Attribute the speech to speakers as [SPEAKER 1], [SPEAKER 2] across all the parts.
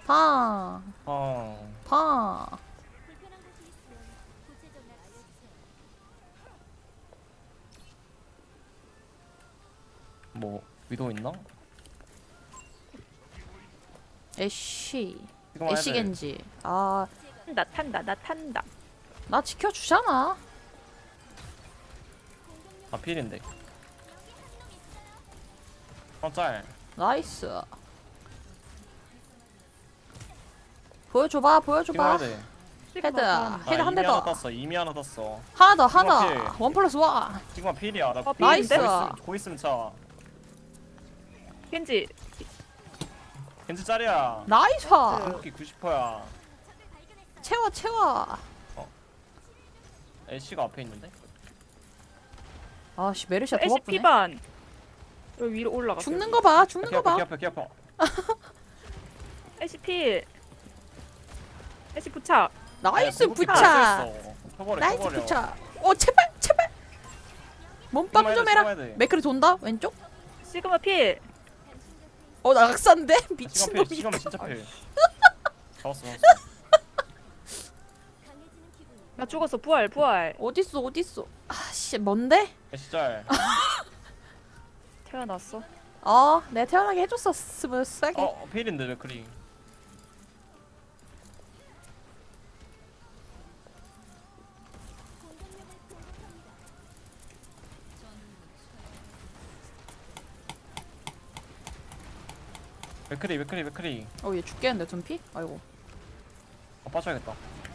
[SPEAKER 1] 팡.
[SPEAKER 2] 어.
[SPEAKER 1] 팡.
[SPEAKER 2] 뭐 위도 있나?
[SPEAKER 1] 애쉬.
[SPEAKER 2] 지금 와야
[SPEAKER 1] 애쉬
[SPEAKER 2] 돼.
[SPEAKER 1] 겐지. 아,
[SPEAKER 3] 나 탄다 나 탄다.
[SPEAKER 1] 나 지켜주잖아.
[SPEAKER 2] 아 필인데. 짤.
[SPEAKER 1] 나이스. 보여줘봐,
[SPEAKER 2] 지금
[SPEAKER 1] 보여줘봐.
[SPEAKER 2] 와야 돼.
[SPEAKER 1] 헤드.
[SPEAKER 3] 시그마
[SPEAKER 1] 헤드 한 대
[SPEAKER 2] 이미 하나
[SPEAKER 1] 더.
[SPEAKER 2] 땄어. 이미 하나 땄어.
[SPEAKER 1] 하나 더,
[SPEAKER 2] 시그마
[SPEAKER 1] 하나.
[SPEAKER 2] 필.
[SPEAKER 1] 원 플러스 원.
[SPEAKER 2] 지금 필이야. 나
[SPEAKER 3] 나이스.
[SPEAKER 2] 고 있으면 차.
[SPEAKER 3] 겐지
[SPEAKER 2] 겐지 짤이야.
[SPEAKER 1] 나이스.
[SPEAKER 2] 궁극기 90%야.
[SPEAKER 1] 채워, 채워.
[SPEAKER 2] 애쉬가 앞에 있는데?
[SPEAKER 1] 아씨, 메르시아 더
[SPEAKER 3] 애쉬
[SPEAKER 1] 바쁘네.
[SPEAKER 3] 피반 여기 위로 올라가.
[SPEAKER 1] 죽는 거 봐, 죽는
[SPEAKER 2] 키
[SPEAKER 1] 거
[SPEAKER 2] 아파, 키
[SPEAKER 1] 봐.
[SPEAKER 2] 아파, 키 아파.
[SPEAKER 3] 애쉬 필. 애쉬 부착.
[SPEAKER 1] 나이스
[SPEAKER 2] 궁극기
[SPEAKER 1] 부착.
[SPEAKER 2] 다 써있어. 켜버려,
[SPEAKER 1] 나이스
[SPEAKER 2] 켜버려.
[SPEAKER 1] 부착. 제발, 제발. 몸빵
[SPEAKER 2] 지금
[SPEAKER 1] 좀
[SPEAKER 2] 해야 돼,
[SPEAKER 1] 해라.
[SPEAKER 2] 지금 해야 돼.
[SPEAKER 1] 맥크리 돈다, 왼쪽.
[SPEAKER 3] 시그마 필.
[SPEAKER 1] 낙산데?
[SPEAKER 2] 시간 필,
[SPEAKER 1] 미친놈이.
[SPEAKER 2] 시간 진짜 필. 잡았어, 잡았어.
[SPEAKER 3] 나 죽었어. 부활 부활.
[SPEAKER 1] 어딨어, 어딨어. 아씨, 뭔데?
[SPEAKER 2] 애쉬 짤.
[SPEAKER 3] 태어났어.
[SPEAKER 1] 내가 태어나게 해줬어, 스무스하게.
[SPEAKER 2] 필인데 왜 그리? 맥크리.
[SPEAKER 1] 얘 죽겠는데, 둔피? 아이고.
[SPEAKER 2] 빠져야겠다.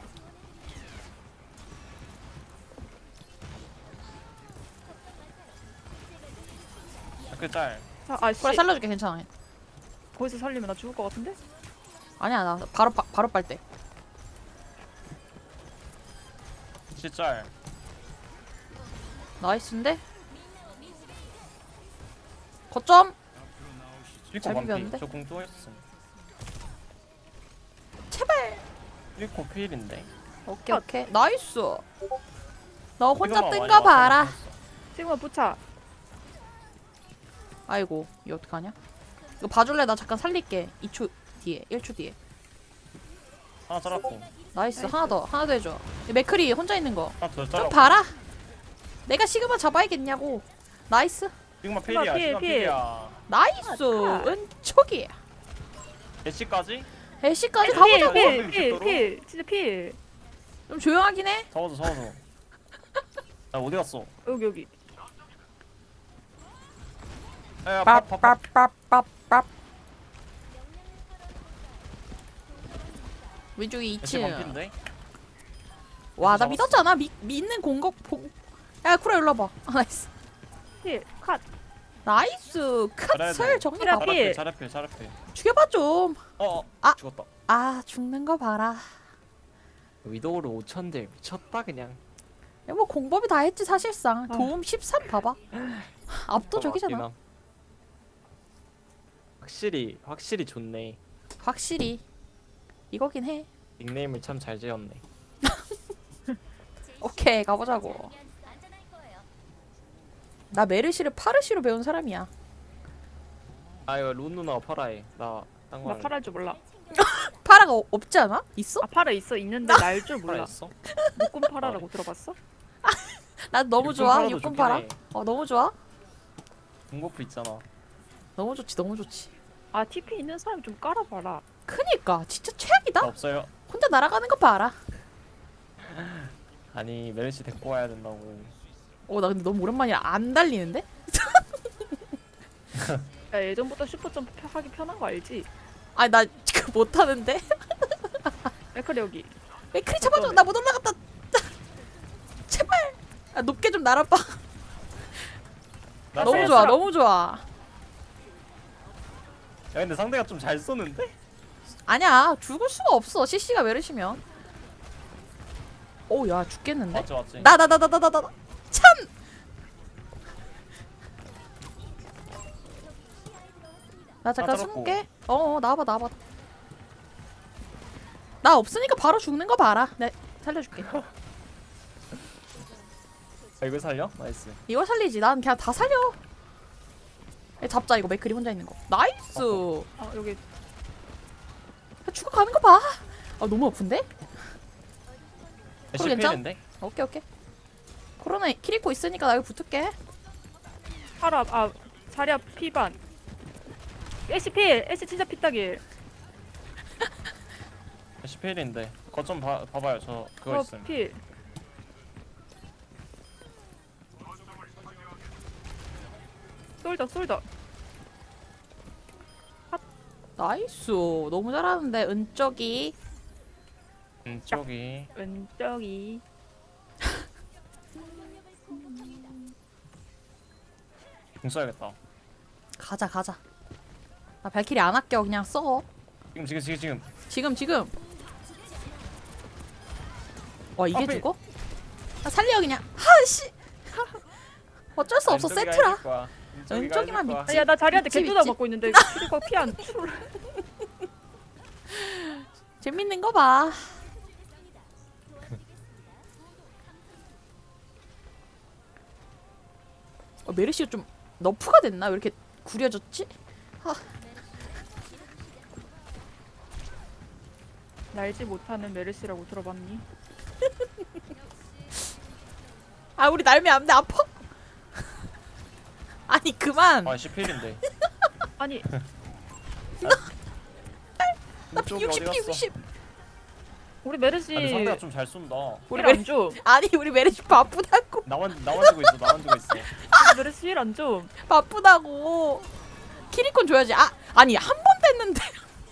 [SPEAKER 2] 맥크리 짤.
[SPEAKER 3] 아씨.
[SPEAKER 1] 그래, 살려줄게, 괜찮아.
[SPEAKER 3] 거기서 살리면 나 죽을 것 같은데?
[SPEAKER 1] 아니야, 나 바로 빨대.
[SPEAKER 2] 애쉬 짤.
[SPEAKER 1] 나이스인데? 거점?
[SPEAKER 2] 리코
[SPEAKER 1] 잘
[SPEAKER 2] 반피.
[SPEAKER 1] 비볐는데?
[SPEAKER 2] 저궁 또 했어.
[SPEAKER 1] 제발.
[SPEAKER 2] 리코 필인데.
[SPEAKER 1] 오케이, 오케이. 나이스. 너 혼자
[SPEAKER 2] 지금은
[SPEAKER 1] 뜬
[SPEAKER 2] 많이
[SPEAKER 1] 거 봐라.
[SPEAKER 2] 왔어.
[SPEAKER 3] 시그마 부착.
[SPEAKER 1] 아이고, 이거 어떡하냐? 이거 봐줄래? 나 잠깐 살릴게. 2초 뒤에, 1초 뒤에.
[SPEAKER 2] 하나 잘랐고.
[SPEAKER 1] 나이스. 하나 더 해줘. 이 맥크리 혼자 있는 거.
[SPEAKER 2] 하나 더
[SPEAKER 1] 좀
[SPEAKER 2] 잘랐고.
[SPEAKER 1] 봐라. 내가 시그마 잡아야겠냐고. 나이스.
[SPEAKER 2] 지금만 필이야.
[SPEAKER 3] 필,
[SPEAKER 2] 지금
[SPEAKER 3] 필.
[SPEAKER 2] 필이야.
[SPEAKER 1] 나이스.
[SPEAKER 3] 아,
[SPEAKER 1] 은촉이.
[SPEAKER 2] 애쉬까지?
[SPEAKER 1] 애쉬까지 가보자고.
[SPEAKER 3] 필. 진짜 필.
[SPEAKER 1] 좀 조용하긴 해.
[SPEAKER 2] 잡아줘. 나 어디 갔어?
[SPEAKER 3] 여기.
[SPEAKER 2] 야, 밥.
[SPEAKER 1] 빡빡빡빡빡. 왼쪽에
[SPEAKER 2] 애쉬
[SPEAKER 1] 2층.
[SPEAKER 2] 반피인데?
[SPEAKER 1] 와, 나
[SPEAKER 2] 잡았어.
[SPEAKER 1] 믿었잖아. 믿는 공격 야, 쿠라 일로 와봐. 나이스.
[SPEAKER 3] 필. 컷.
[SPEAKER 1] 나이스.
[SPEAKER 2] 잘해야
[SPEAKER 1] 컷을
[SPEAKER 2] 돼.
[SPEAKER 1] 정리
[SPEAKER 3] 필.
[SPEAKER 1] 봐.
[SPEAKER 2] 잘해.
[SPEAKER 1] 죽여봐 좀. 아.
[SPEAKER 2] 죽었다.
[SPEAKER 1] 죽는 거 봐라.
[SPEAKER 4] 위도우를 5,000대 미쳤다 그냥.
[SPEAKER 1] 야, 뭐 공법이 다 했지 사실상.
[SPEAKER 3] 아.
[SPEAKER 1] 도움 13 봐봐. 압도적이잖아.
[SPEAKER 4] 맞긴 함. 확실히 좋네.
[SPEAKER 1] 확실히 이거긴 해.
[SPEAKER 4] 닉네임을 참 잘 지었네.
[SPEAKER 1] 오케이, 가보자고. 나 메르시를 파르시로 배운 사람이야.
[SPEAKER 4] 아 이거 룬 누나가 팔아해. 나딴 거.
[SPEAKER 3] 나 팔할 줄 몰라.
[SPEAKER 1] 파라가 없지 않아? 있어?
[SPEAKER 3] 아 팔아 있는데 날 줄 몰라.
[SPEAKER 2] 있어?
[SPEAKER 3] 목금 파라라고 들어봤어?
[SPEAKER 1] 나 너무
[SPEAKER 2] 육군
[SPEAKER 1] 좋아.
[SPEAKER 2] 파라도
[SPEAKER 1] 육군
[SPEAKER 2] 좋긴
[SPEAKER 1] 파라.
[SPEAKER 2] 해.
[SPEAKER 1] 너무 좋아.
[SPEAKER 2] 공고프 있잖아.
[SPEAKER 1] 너무 좋지, 너무 좋지.
[SPEAKER 3] 아 TP 있는 사람 좀 깔아봐라.
[SPEAKER 1] 크니까 진짜
[SPEAKER 2] 나
[SPEAKER 1] 최악이다.
[SPEAKER 2] 없어요.
[SPEAKER 1] 혼자 날아가는 거 봐라.
[SPEAKER 2] 아니 메르시 데리고 와야 된다고.
[SPEAKER 1] 나 근데 너무 오랜만이라 안 달리는데?
[SPEAKER 3] 야 예전부터 슈퍼점프 하기 편한 거 알지?
[SPEAKER 1] 아니, 나 지금 못하는데?
[SPEAKER 3] 맥클 여기.
[SPEAKER 1] 맥크리 잡아줘. 나 못 올라갔다. 제발. 높게 좀 날아봐.
[SPEAKER 2] 나
[SPEAKER 1] 너무
[SPEAKER 2] 살렸어.
[SPEAKER 1] 좋아, 너무 좋아.
[SPEAKER 2] 야 근데 상대가 좀 잘 쏘는데?
[SPEAKER 1] 아니야, 죽을 수가 없어. CC가 메르시면. 야, 죽겠는데?
[SPEAKER 2] 맞지.
[SPEAKER 1] 나 참. 나 잠깐
[SPEAKER 2] 쩔었고.
[SPEAKER 1] 숨을게. 나와봐. 나 없으니까 바로 죽는 거 봐라. 네, 살려줄게.
[SPEAKER 2] 이걸 살려? 나이스.
[SPEAKER 1] 이걸 살리지. 난 그냥 다 살려. 잡자, 이거 맥크리 혼자 있는 거. 나이스.
[SPEAKER 3] 아 여기.
[SPEAKER 1] 죽어가는 거 봐. 아 너무 아픈데?
[SPEAKER 2] 애쉬
[SPEAKER 1] 괜찮아?
[SPEAKER 2] 필인데?
[SPEAKER 1] 오케이 오케이. 코로나 키리코 있으니까 나 여기 붙을게.
[SPEAKER 3] 파라 자리야 피반. 애쉬 필. 애쉬 진짜 피딱일.
[SPEAKER 2] 애쉬 필인데 거점 봐봐요 저 그거 있음
[SPEAKER 3] 필. 솔더.
[SPEAKER 1] 나이스. 너무 잘하는데 은쪽이.
[SPEAKER 2] 저기
[SPEAKER 3] 왼쪽이.
[SPEAKER 2] 공 써야겠다
[SPEAKER 1] 가자. 나 발키리 안 아껴. 그냥 써.
[SPEAKER 2] 지금
[SPEAKER 1] 와 이게
[SPEAKER 2] 앞에.
[SPEAKER 1] 죽어? 아, 살려 그냥. 하씨. 어쩔 수 없어
[SPEAKER 2] 왼쪽이가
[SPEAKER 1] 세트라.
[SPEAKER 2] 해줄 거야. 왼쪽이가
[SPEAKER 1] 왼쪽이만
[SPEAKER 2] 해줄 거야.
[SPEAKER 1] 믿지.
[SPEAKER 3] 야 나 자리한테
[SPEAKER 1] 미치,
[SPEAKER 3] 개뚜다
[SPEAKER 1] 미치.
[SPEAKER 3] 맞고 있는데 키리코가 피안 출.
[SPEAKER 1] 재밌는 거 봐. 메르시가 좀 너프가 됐나? 왜 이렇게 구려졌지?
[SPEAKER 3] 날지 못하는 메르시라고 들어봤니?
[SPEAKER 1] 아 우리 날면 안 돼. 아파. 아니 그만.
[SPEAKER 2] 아 애쉬 필인데
[SPEAKER 3] 아니
[SPEAKER 1] 나
[SPEAKER 2] 이쪽이 어디
[SPEAKER 1] 60,
[SPEAKER 2] 갔어?
[SPEAKER 1] 60.
[SPEAKER 3] 우리 메르시
[SPEAKER 2] 아니 상대가 좀 잘 쏜다
[SPEAKER 1] 우리
[SPEAKER 3] 힐안 줘.
[SPEAKER 1] 아니 우리 메르시 바쁘다고.
[SPEAKER 2] 나만 주고 있어
[SPEAKER 3] 우리 메르시 힐안 줘.
[SPEAKER 1] 바쁘다고. 키리콘 줘야지. 아니 한 번 됐는데.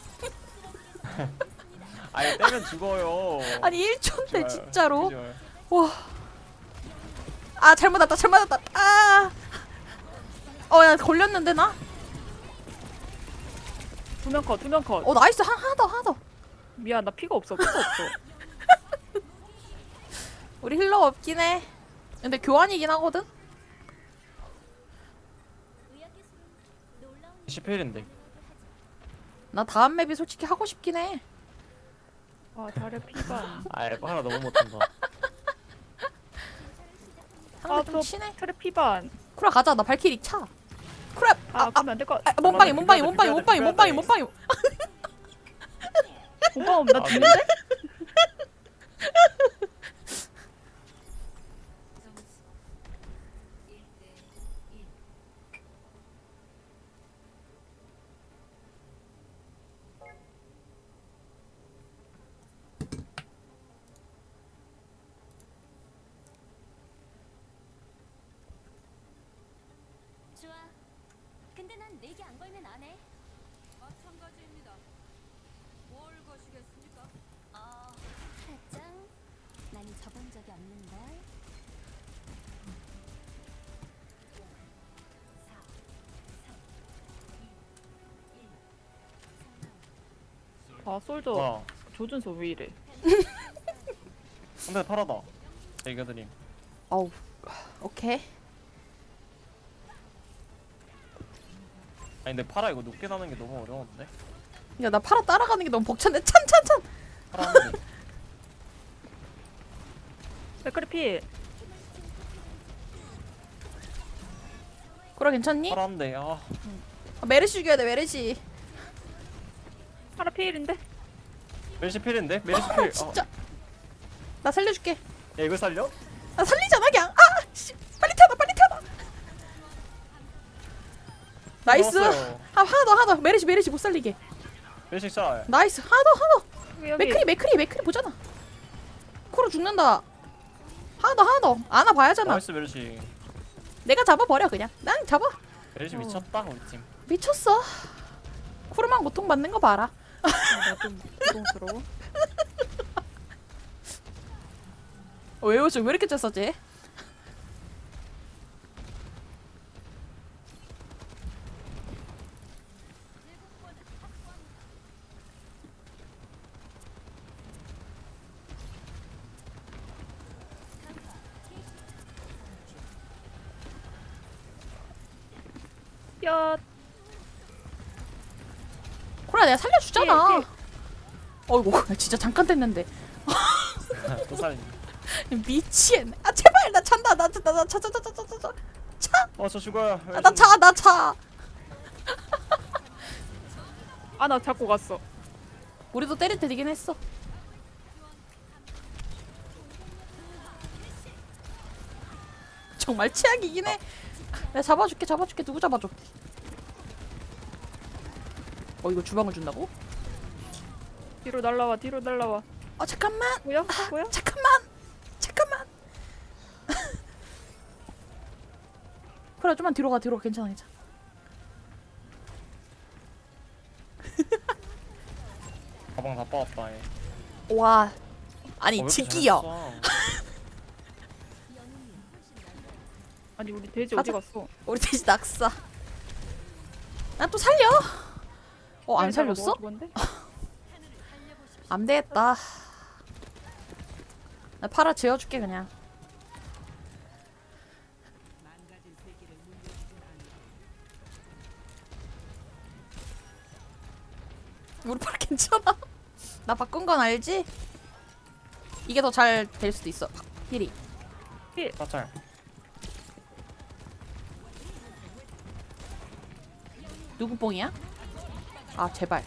[SPEAKER 2] 아니 떼면 죽어요
[SPEAKER 1] 아니 1초인데
[SPEAKER 2] 좋아요.
[SPEAKER 1] 진짜로.
[SPEAKER 2] 좋아요.
[SPEAKER 1] 와. 아 잘못 왔다. 아. 야 걸렸는데 나?
[SPEAKER 3] 두 명 컷.
[SPEAKER 1] 나이스. 하나 더.
[SPEAKER 3] 미안 나 피가 없어.
[SPEAKER 1] 우리 힐러 없긴 해. 근데 교환이긴 하거든.
[SPEAKER 2] 애쉬 필인데
[SPEAKER 1] 나 다음 맵이 솔직히 하고 싶긴 해.
[SPEAKER 3] 아 자리야 피반.
[SPEAKER 2] 아 에바 하나 너무 못한다
[SPEAKER 1] 상대 좀
[SPEAKER 3] 저
[SPEAKER 1] 치네.
[SPEAKER 3] 트레 피반.
[SPEAKER 1] 쿠라 가자. 나 발키리 차. 쿠라.
[SPEAKER 3] 그러면 안 될 것.
[SPEAKER 1] 몸빵이.
[SPEAKER 2] 비벼야 돼.
[SPEAKER 3] 오빠 나
[SPEAKER 2] 아,
[SPEAKER 3] 죽는데?
[SPEAKER 5] 좋아. 근데 난 내기 안 걸면 안 해. 마찬가지입니다. 뭘 거시겠습니까? 살짝. 난 접은 적이 없는걸.
[SPEAKER 3] 아 솔저
[SPEAKER 2] 와
[SPEAKER 3] 조준소 왜 이래?
[SPEAKER 2] 상대 파라다 이겨드림
[SPEAKER 1] 어우. 오케이.
[SPEAKER 2] 아니 근데 파라 이거 높게 나는 게 너무 어려운데
[SPEAKER 1] 야 나 파라 따라가는 게 너무 벅찬데. 찬.
[SPEAKER 2] 파라 하는데
[SPEAKER 3] 백크리 필.
[SPEAKER 1] 쿠라 괜찮니?
[SPEAKER 2] 파라 하는데
[SPEAKER 1] 메르시 죽여야 돼. 메르시.
[SPEAKER 3] 파라 필인데?
[SPEAKER 2] 메르시 필인데? 메르시 필
[SPEAKER 1] 진짜. 나 살려줄게.
[SPEAKER 2] 야 이거 살려?
[SPEAKER 1] 나 살리잖아 그냥. 씨. 빨리 태어나. 나이스.
[SPEAKER 2] 먹었어요.
[SPEAKER 1] 하나 더. 메르시 못 살리게.
[SPEAKER 2] 메르시 샷
[SPEAKER 1] 나이스. 하나 더.
[SPEAKER 3] 여기
[SPEAKER 1] 맥크리 보잖아. 쿠라 죽는다. 하나 더. 안아 봐야잖아.
[SPEAKER 2] 나이스 메르시
[SPEAKER 1] 내가 잡아버려 그냥. 난 잡아.
[SPEAKER 2] 메르시 미쳤다 우리 팀
[SPEAKER 1] 미쳤어. 쿠르만 고통받는 거 봐라.
[SPEAKER 3] 나좀 부동스러워.
[SPEAKER 1] 왜 웃어? 왜 이렇게 쪘었지?
[SPEAKER 3] 야
[SPEAKER 1] 쿠라 내가 살려주잖아.
[SPEAKER 3] 예.
[SPEAKER 1] 어이구 진짜 잠깐 됐는데.
[SPEAKER 2] 또 살리
[SPEAKER 1] 미치겠네. 제발 나 찬다. 차.
[SPEAKER 2] 저 죽어요
[SPEAKER 1] 나 차.
[SPEAKER 3] 아 나 잡고 갔어.
[SPEAKER 1] 우리도 때릴 때 되긴 했어. 정말 최악이긴 해. 내가 잡아줄게. 누구 잡아줘? 이거 주방을 준다고?
[SPEAKER 3] 뒤로 날라와.
[SPEAKER 1] 잠깐만.
[SPEAKER 3] 뭐야?
[SPEAKER 1] 잠깐만. 그래, 좀만 뒤로 가. 괜찮아.
[SPEAKER 2] 가방 다 빠졌다 얘.
[SPEAKER 1] 와, 아니
[SPEAKER 2] 왜 이렇게
[SPEAKER 1] 즉기요.
[SPEAKER 2] 잘했어?
[SPEAKER 3] 아니 우리 돼지
[SPEAKER 1] 가자.
[SPEAKER 3] 어디 갔어?
[SPEAKER 1] 우리 돼지 낙사. 나 또 살려. 안 살렸어?
[SPEAKER 3] 뭔데?
[SPEAKER 1] 안 되겠다. 나 팔아 재워줄게 그냥. 우리 팔 괜찮아? 나 바꾼 건 알지? 이게 더 잘 될 수도 있어. 힐이.
[SPEAKER 2] 사찰.
[SPEAKER 1] 누구 뽕이야? 아 제발.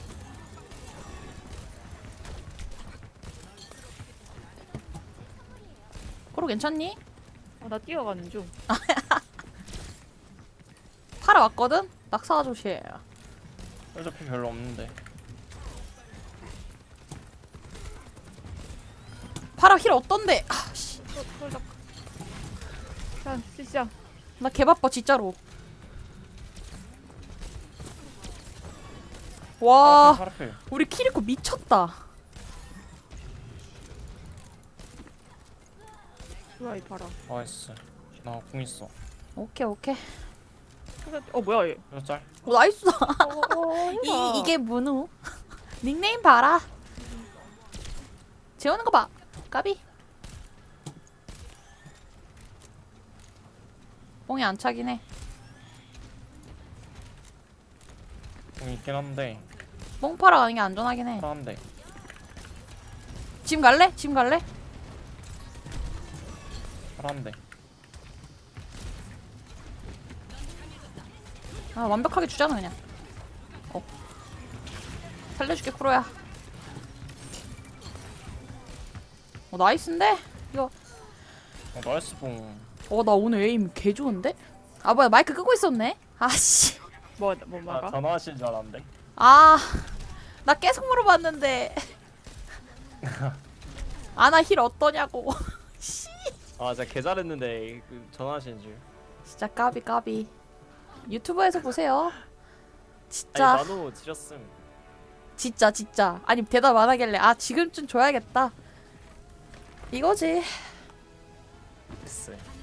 [SPEAKER 1] 코로 괜찮니?
[SPEAKER 3] 나 뛰어가는 중.
[SPEAKER 1] 팔아 왔거든? 낙사 조심.
[SPEAKER 2] 어차피 별로 없는데.
[SPEAKER 1] 팔아 힐 어떤데? 씨.
[SPEAKER 3] 자, 시작.
[SPEAKER 1] 나 개바빠 진짜로. 와
[SPEAKER 2] 파라필.
[SPEAKER 1] 우리 키리코 미쳤다.
[SPEAKER 3] 좋아 이 봐라.
[SPEAKER 2] 나이스. 나 공 있어.
[SPEAKER 1] 오케이.
[SPEAKER 3] 뭐야 얘?
[SPEAKER 2] 몇 짤?
[SPEAKER 1] 오 나이스.
[SPEAKER 3] 해봐.
[SPEAKER 1] 이게 문우. 닉네임 봐라. 재우는 거 봐. 까비. 뽕이 안 차긴 해.
[SPEAKER 2] 공 있긴 한데.
[SPEAKER 1] 뽕 팔아 가는 게 안전하긴 해.
[SPEAKER 2] 파란데.
[SPEAKER 1] 지금 갈래?
[SPEAKER 2] 파란데.
[SPEAKER 1] 아 완벽하게 주잖아 그냥. 살려줄게 쿠로야. 나이스인데? 이거
[SPEAKER 2] 나이스 뽕.
[SPEAKER 1] 나 오늘 에임 개 좋은데? 아 뭐야 마이크 끄고 있었네? 아씨.
[SPEAKER 3] 뭐
[SPEAKER 2] 아
[SPEAKER 3] 막아?
[SPEAKER 2] 전화하실 줄 알았는데.
[SPEAKER 1] 나 계속 물어봤는데. 아나 힐 어떠냐고.
[SPEAKER 4] 아 진짜 개 잘했는데 그 전화하시는 줄.
[SPEAKER 1] 진짜 까비. 유튜브에서 보세요.
[SPEAKER 4] 아니
[SPEAKER 1] 진짜
[SPEAKER 4] 나노 지렸음.
[SPEAKER 1] 진짜 아니 대답 안 하길래 지금쯤 줘야겠다 이거지.
[SPEAKER 4] 글쎄.